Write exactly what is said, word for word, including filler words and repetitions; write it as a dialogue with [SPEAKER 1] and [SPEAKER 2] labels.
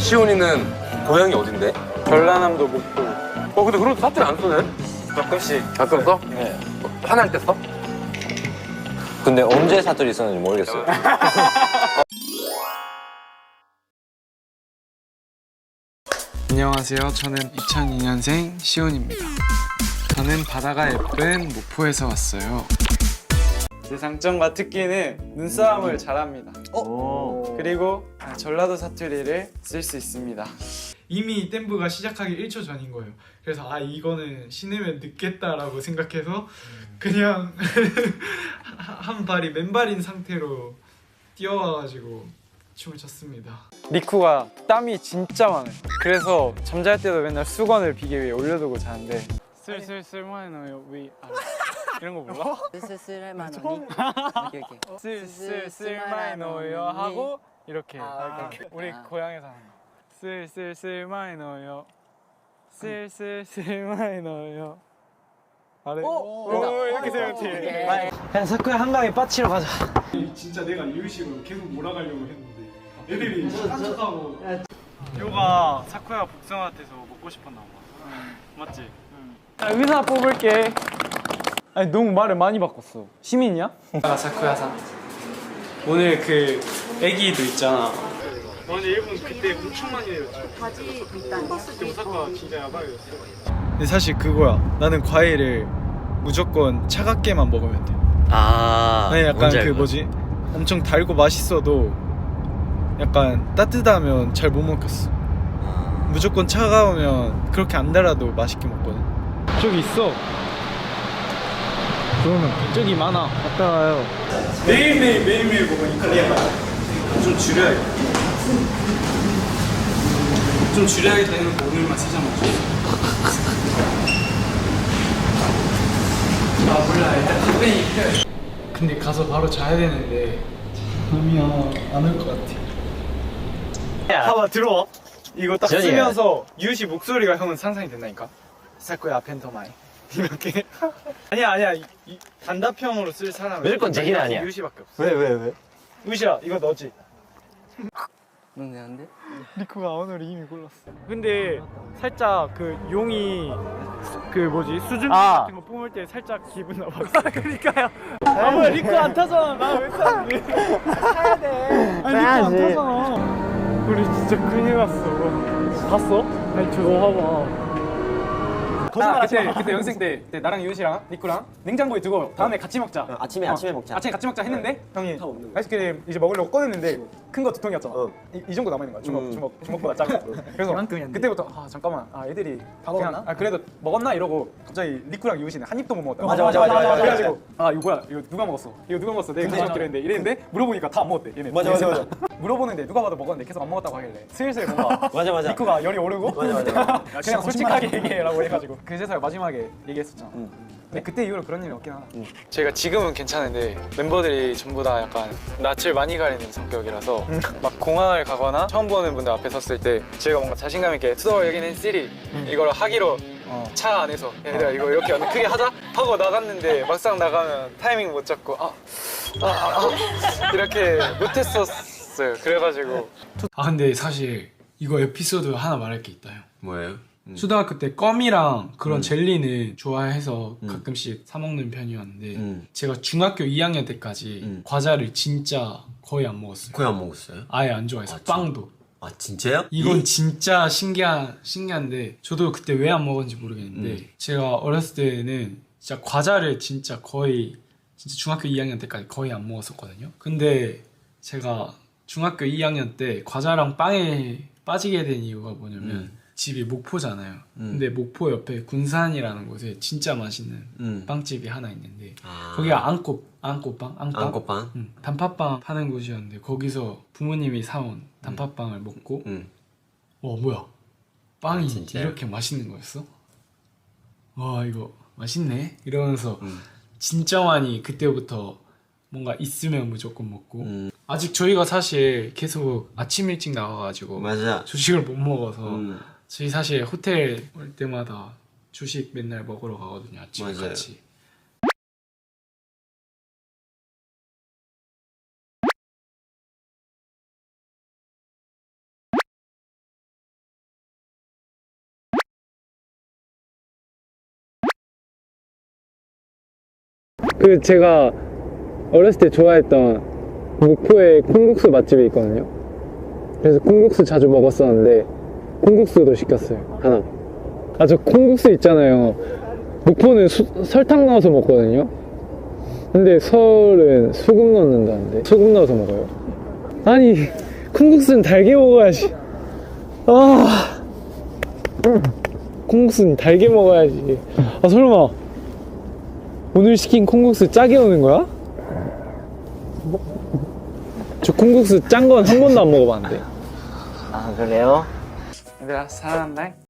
[SPEAKER 1] 시온이는 고향이 어딘데?
[SPEAKER 2] 전라남도 목포.
[SPEAKER 1] 어 근데 그래도 사투리 안 쓰네?
[SPEAKER 2] 가끔씩.
[SPEAKER 1] 가끔 써?
[SPEAKER 2] 네.
[SPEAKER 1] 화날 때 써?
[SPEAKER 3] 근데 언제 사투리 썼는지 모르겠어요.
[SPEAKER 2] 안녕하세요. 저는 이천이 년생 시온입니다. 저는 바다가 예쁜 목포에서 왔어요. 제 장점과 특기는 눈싸움을 잘합니다. 어? 그리고 전라도 사투리를 쓸 수 있습니다. 이미 댐브가 시작하기 일 초 전인 거예요. 그래서 아 이거는 신으면 늦겠다라고 생각해서 그냥 한 발이 맨발인 상태로 뛰어와가지고 춤을 췄습니다. 리쿠가 땀이 진짜 많아요. 그래서 잠잘 때도 맨날 수건을 비계 위에 올려두고 자는데 슬슬슬만 넣어요 위 아래 이런 거 몰라?
[SPEAKER 4] 슬슬슬만 넣니? 이렇게 이렇게
[SPEAKER 2] 슬슬슬만 넣어요 하고 이렇게
[SPEAKER 4] 아,
[SPEAKER 2] 이렇게. 우리 고향에서 하는 거 슬슬슬만 넣어요 슬슬슬만 넣어요 아래 오, 오 이렇게 세요 뒤에.
[SPEAKER 4] 그냥 사쿠야 한강에 빠치러 가자.
[SPEAKER 2] 진짜 내가 이런 식으로 계속 몰아가려고 했는데 애들이 깜짝하고 요가 사쿠야 복숭아 같아서 먹고 싶었나 봐. 맞지? 응. 아, 의사 뽑을게. 아니 너무 말을 많이 바꿨어. 시민이야? 아 사쿠야상. 오늘 그 애기도 있잖아. 오늘 일본 그때 엄청 많이 내렸죠.
[SPEAKER 5] 바지 일단
[SPEAKER 2] 그때 사쿠야 진짜 야바이였어. 근데 사실 그거야. 나는 과일을 무조건 차갑게만 먹으면 돼.
[SPEAKER 3] 아,
[SPEAKER 2] 아니 약간 그 뭐지? 엄청 달고 맛있어도 약간 따뜻하면 잘 못 먹겠어. 무조건 차가우면 그렇게 안 달아도 맛있게 먹거든. 저기 있어. 그러면 저기 많아. 갔다 와요. 매일매일 매일매일 먹으니까 약간 좀 줄여야겠다. 좀 줄여야겠다 해놓고 오늘만 세 잔 먹자. 아 몰라 일단 카페인 필요해. 근데 가서 바로 자야 되는데 잠이야 안 올 것 같아. 봐봐 들어와. 이거 딱
[SPEAKER 3] 전이야.
[SPEAKER 2] 쓰면서 유시 목소리가 형은 상상이 된다니까. 사쿠야 펜터마이 이렇게. 아니야 아니야 이, 이 단답형으로 쓸 사람은
[SPEAKER 3] 무조건 제기는 아니야.
[SPEAKER 2] 유시밖에 없어.
[SPEAKER 3] 왜, 왜, 왜?
[SPEAKER 2] 유시야 이거 너지?
[SPEAKER 4] 넌 내는데?
[SPEAKER 2] 리쿠가 오늘 이미 골랐어. 근데 살짝 그 용이 그 뭐지 수준
[SPEAKER 4] 아.
[SPEAKER 2] 같은 거 뿜을 때 살짝 기분 나빴어. 그러니까요. 아 뭐야 리쿠 안 타잖아. 나 왜 타는데? 타야 돼. 아니 리쿠 안 타잖아. 우리 진짜 큰일 났어. 봤어? 아니 저거 봐봐. 아, 그때 그때 연생 때, 때 나랑 유시랑 리쿠랑 냉장고에 두고 다음에 같이 먹자.
[SPEAKER 3] 어, 아침에, 아침에 먹자.
[SPEAKER 2] 아침에 같이 먹자 했는데 형이 아이스크림 이제 먹으려고 꺼냈는데 큰 거 두 통이었잖아.
[SPEAKER 3] 어.
[SPEAKER 2] 이, 이 정도 남아 있는 거야. 주먹
[SPEAKER 3] 음.
[SPEAKER 2] 주먹 주먹보다 작고. 그래서 그때부터 아 잠깐만 아 애들이 다 먹었나? 아 그래도 먹었나 이러고 갑자기 리쿠랑 유시는 한 입도 못 먹었다.
[SPEAKER 3] 맞아, 맞아, 맞아, 맞아,
[SPEAKER 2] 그래가지고 아 이거 뭐야 이거 누가 먹었어? 이거 누가 먹었어? 내가 같이 먹기로 했는데 이랬는데 물어보니까 다 안 먹었대. 얘네.
[SPEAKER 3] 맞아, 맞아, 맞아.
[SPEAKER 2] 물어보는데 누가 봐도 먹었는데 계속 안 먹었다고 하길래 슬슬 뭔가
[SPEAKER 3] 맞아, 맞아.
[SPEAKER 2] 리쿠가 열이 오르고
[SPEAKER 3] 맞아, 맞아.
[SPEAKER 2] 그냥 솔직하게 얘기해라고 해가지고 그제서야 마지막에 얘기했었잖아.
[SPEAKER 3] 응.
[SPEAKER 2] 근데 그때 이후로 그런 일이 없긴 하다. 제가 지금은 괜찮은데 멤버들이 전부 다 약간 낯을 많이 가리는 성격이라서 막 공항을 가거나 처음 보는 분들 앞에 섰을 때 제가 뭔가 자신감 있게 So 여기는 시리 이걸 하기로
[SPEAKER 3] 어.
[SPEAKER 2] 차 안에서 얘들아 이거 이렇게 크게 하자 하고 나갔는데 막상 나가면 타이밍 못 잡고 아, 아, 아, 아 이렇게 못했었어요. 그래가지고 아 근데 사실 이거 에피소드 하나 말할 게 있다요.
[SPEAKER 3] 뭐예요? 음.
[SPEAKER 2] 초등학교 때 껌이랑 그런
[SPEAKER 3] 음.
[SPEAKER 2] 젤리는 좋아해서
[SPEAKER 3] 음.
[SPEAKER 2] 가끔씩 사 먹는 편이었는데
[SPEAKER 3] 음.
[SPEAKER 2] 제가 중학교 이 학년 때까지
[SPEAKER 3] 음.
[SPEAKER 2] 과자를 진짜 거의 안 먹었어요.
[SPEAKER 3] 거의 안 먹었어요?
[SPEAKER 2] 아예 안 좋아해서
[SPEAKER 3] 아, 진-
[SPEAKER 2] 빵도.
[SPEAKER 3] 아, 진짜요?
[SPEAKER 2] 이건
[SPEAKER 3] 이-
[SPEAKER 2] 진짜 신기한 신기한데 저도 그때 왜 안 먹었는지 모르겠는데
[SPEAKER 3] 음.
[SPEAKER 2] 제가 어렸을 때는 진짜 과자를 진짜 거의 진짜 중학교 이 학년 때까지 거의 안 먹었었거든요. 근데 제가 중학교 이 학년 때 과자랑 빵에 빠지게 된 이유가 뭐냐면
[SPEAKER 3] 음.
[SPEAKER 2] 집이 목포잖아요.
[SPEAKER 3] 음.
[SPEAKER 2] 근데 목포 옆에 군산이라는 곳에 진짜 맛있는
[SPEAKER 3] 음.
[SPEAKER 2] 빵집이 하나 있는데
[SPEAKER 3] 아.
[SPEAKER 2] 거기가 안꽃 안꽃빵 안빵
[SPEAKER 3] 안꽃빵?
[SPEAKER 2] 응, 단팥빵 파는 곳이었는데 거기서 부모님이 사온 단팥빵을 먹고
[SPEAKER 3] 음.
[SPEAKER 2] 와 뭐야 빵이
[SPEAKER 3] 아, 진짜요?
[SPEAKER 2] 이렇게 맛있는 거였어? 와 이거 맛있네 이러면서
[SPEAKER 3] 음.
[SPEAKER 2] 진짜 많이 그때부터 뭔가 있으면 무조건 먹고
[SPEAKER 3] 음.
[SPEAKER 2] 아직 저희가 사실 계속 아침 일찍 나가가지고
[SPEAKER 3] 맞아.
[SPEAKER 2] 조식을 못 먹어서
[SPEAKER 3] 음.
[SPEAKER 2] 저희 사실 호텔 올 때마다 주식 맨날 먹으러 가거든요. 아침에
[SPEAKER 3] 맞아요.
[SPEAKER 2] 같이. 그 제가 어렸을 때 좋아했던 목포에 콩국수 맛집이 있거든요. 그래서 콩국수 자주 먹었었는데 콩국수도 시켰어요. 하나. 아, 저 콩국수 있잖아요. 목포는 수, 설탕 넣어서 먹거든요. 근데 서울은 소금 넣는다는데 소금 넣어서 먹어요. 아니, 콩국수는 달게 먹어야지. 아, 콩국수는 달게 먹어야지. 아, 설마 오늘 시킨 콩국수 짜게 오는 거야? 저 콩국수 짠 건 한 번도 안 먹어봤는데.
[SPEAKER 4] 아 그래요?
[SPEAKER 2] 얘들아, 사랑한다.